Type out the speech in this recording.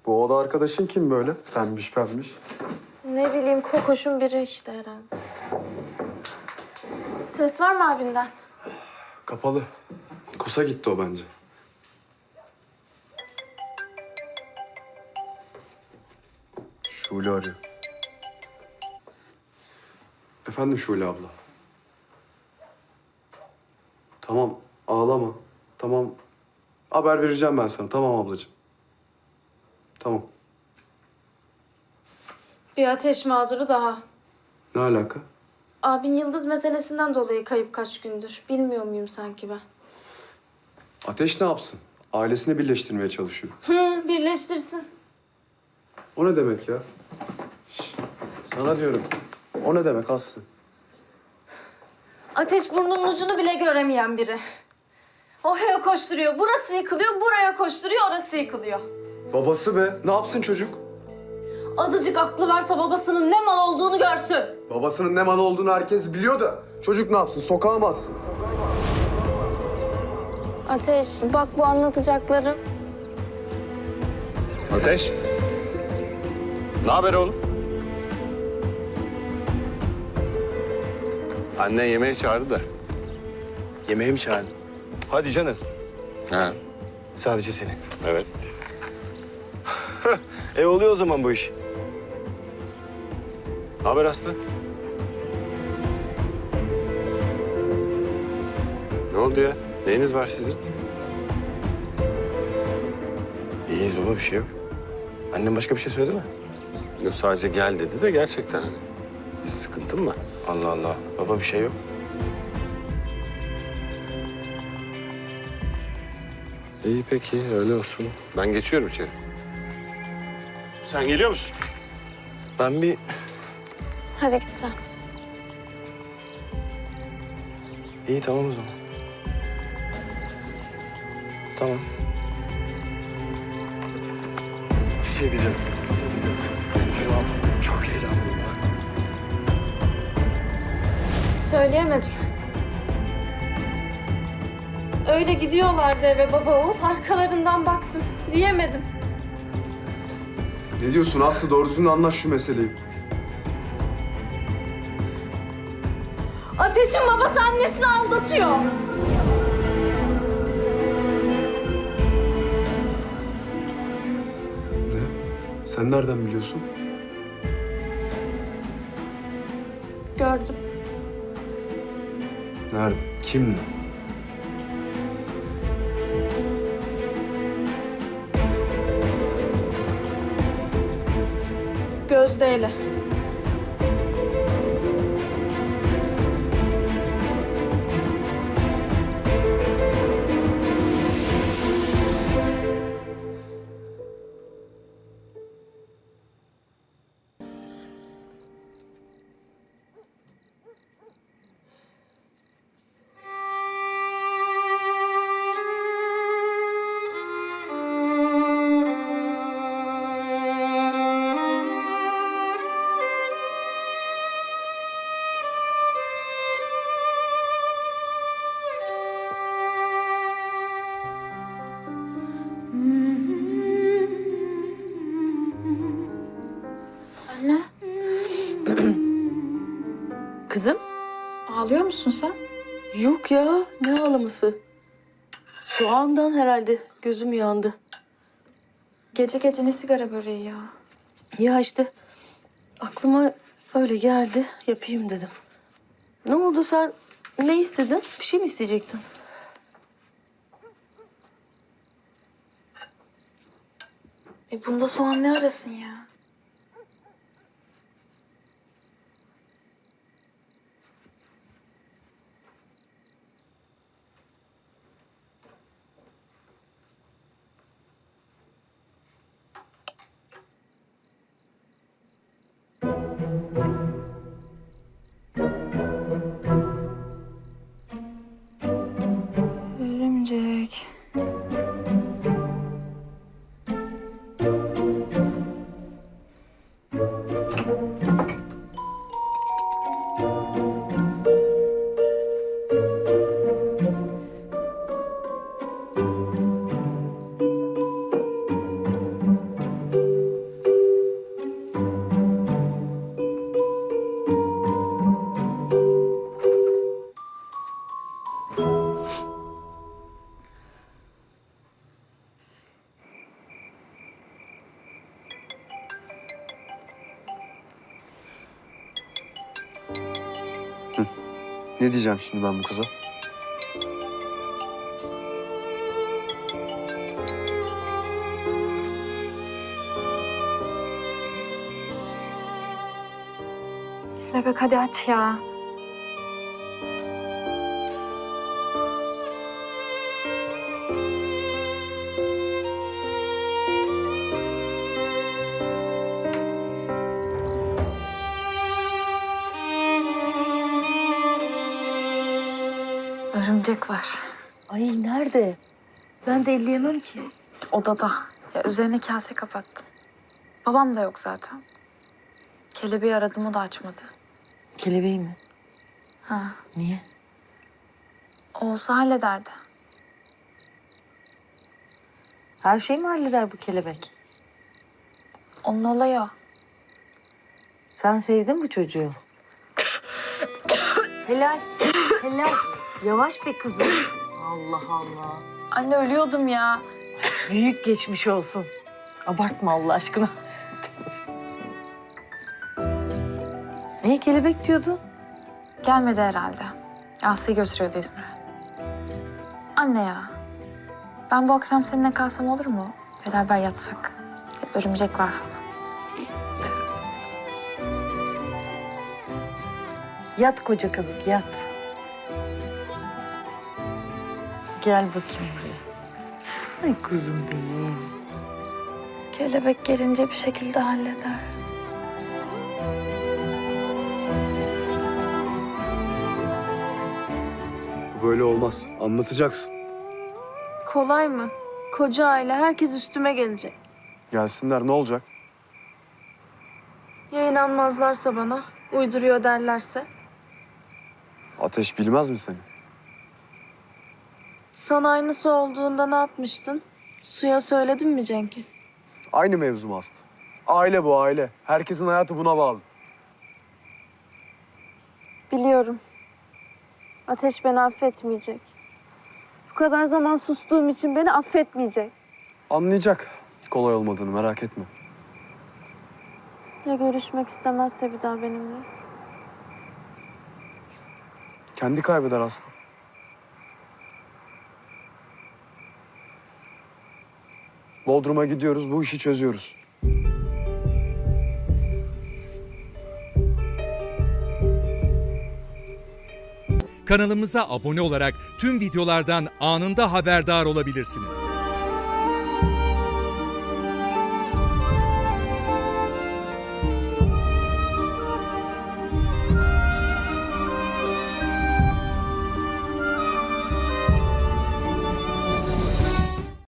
Bu oda arkadaşın kim böyle? Pembiş pembiş. Ne bileyim, kokoşun biri işte herhalde. Ses var mı abinden? Kapalı. Kusa gitti o bence. Şule arıyor. Efendim Şule abla. Tamam, ağlama. Tamam. Haber vereceğim ben sana. Tamam ablacığım. Tamam. Bir ateş mağduru daha. Ne alaka? Abin Yıldız meselesinden dolayı kayıp kaç gündür. Bilmiyor muyum sanki ben? Ateş ne yapsın? Ailesini birleştirmeye çalışıyor. Birleştirsin. O ne demek ya? Şş, sana diyorum. O ne demek Aslı? Ateş burnunun ucunu bile göremeyen biri. Oraya koşturuyor, burası yıkılıyor, buraya koşturuyor, orası yıkılıyor. Babası be. Ne yapsın çocuk? Azıcık aklı varsa babasının ne mal olduğunu görsün. Babasının ne malı olduğunu herkes biliyor da çocuk ne yapsın? Sokağa mı atsın? Ateş, bak bu anlatacaklarım. Ateş. Ne haber oğlum? Annen yemeğe çağırdı da. Yemeğe mi çağırdın? Hadi canım. Ha. Sadece seni. Evet. Oluyor o zaman bu iş. Ne haber Aslı? Ne oldu ya? Neyiniz var sizin? İyiyiz baba, bir şey yok. Annem başka bir şey söyledi mi? Yok, sadece gel dedi de gerçekten hani. Bir sıkıntın mı? Allah Allah. Baba bir şey yok. İyi peki, öyle olsun. Ben geçiyorum içeri. Sen geliyor musun? Ben bir... Hadi git sen. İyi tamam o zaman. Tamam. Bir şey diyeceğim. Şu an çok heyecanlıyım ya. Söyleyemedim. Öyle gidiyorlardı eve baba oğul. Arkalarından baktım. Diyemedim. Ne diyorsun Aslı? Doğru düzgün anlaş şu meseleyi. Ateş'in babası annesini aldatıyor. Ne? Sen nereden biliyorsun? Gördüm. Nerede? Kimle? Gözde'yle. Anne. Kızım? Ağlıyor musun sen? Yok ya, ne ağlaması? Soğandan herhalde gözüm yandı. Gece gece ne sigara böreği ya? Ya işte aklıma öyle geldi, yapayım dedim. Ne oldu sen? Ne istedin? Bir şey mi isteyecektin? Bunda soğan ne arasın ya? Örümcek. Ne diyeceğim şimdi ben bu kıza? Kelebek hadi aç ya. Örümcek var. Ay nerede? Ben de elleyemem ki. Odada. Ya üzerine kase kapattım. Babam da yok zaten. Kelebeği aradım, o da açmadı. Kelebeği mi? Ha. Niye? Olsa hallederdi. Her şeyi mi halleder bu kelebek? Onun olayı o. Sen sevdin bu çocuğu. Helal, helal. Yavaş be kızım. Allah Allah. Anne ölüyordum ya. Büyük geçmiş olsun. Abartma Allah aşkına. Niye kelebek diyordun? Gelmedi herhalde. Aslı'yı götürüyordu İzmir'e. Anne ya. Ben bu akşam seninle kalsam olur mu? Beraber yatsak. Hep örümcek var falan. Yat koca kazık yat. Gel bakayım buraya. Ay kuzum benim. Kelebek gelince bir şekilde halleder. Bu böyle olmaz. Anlatacaksın. Kolay mı? Koca aile, herkes üstüme gelecek. Gelsinler ne olacak? Ya inanmazlarsa bana, uyduruyor derlerse? Ateş bilmez mi seni? Sana aynısı olduğunda ne yapmıştın? Suya söyledin mi Cenk'e? Aynı mevzu mu Aslı? Aile bu aile. Herkesin hayatı buna bağlı. Biliyorum. Ateş beni affetmeyecek. Bu kadar zaman sustuğum için beni affetmeyecek. Anlayacak. Kolay olmadığını merak etme. Ya görüşmek istemezse bir daha benimle? Kendi kaybeder Aslı. Bodrum'a gidiyoruz, bu işi çözüyoruz. Kanalımıza abone olarak tüm videolardan anında haberdar olabilirsiniz.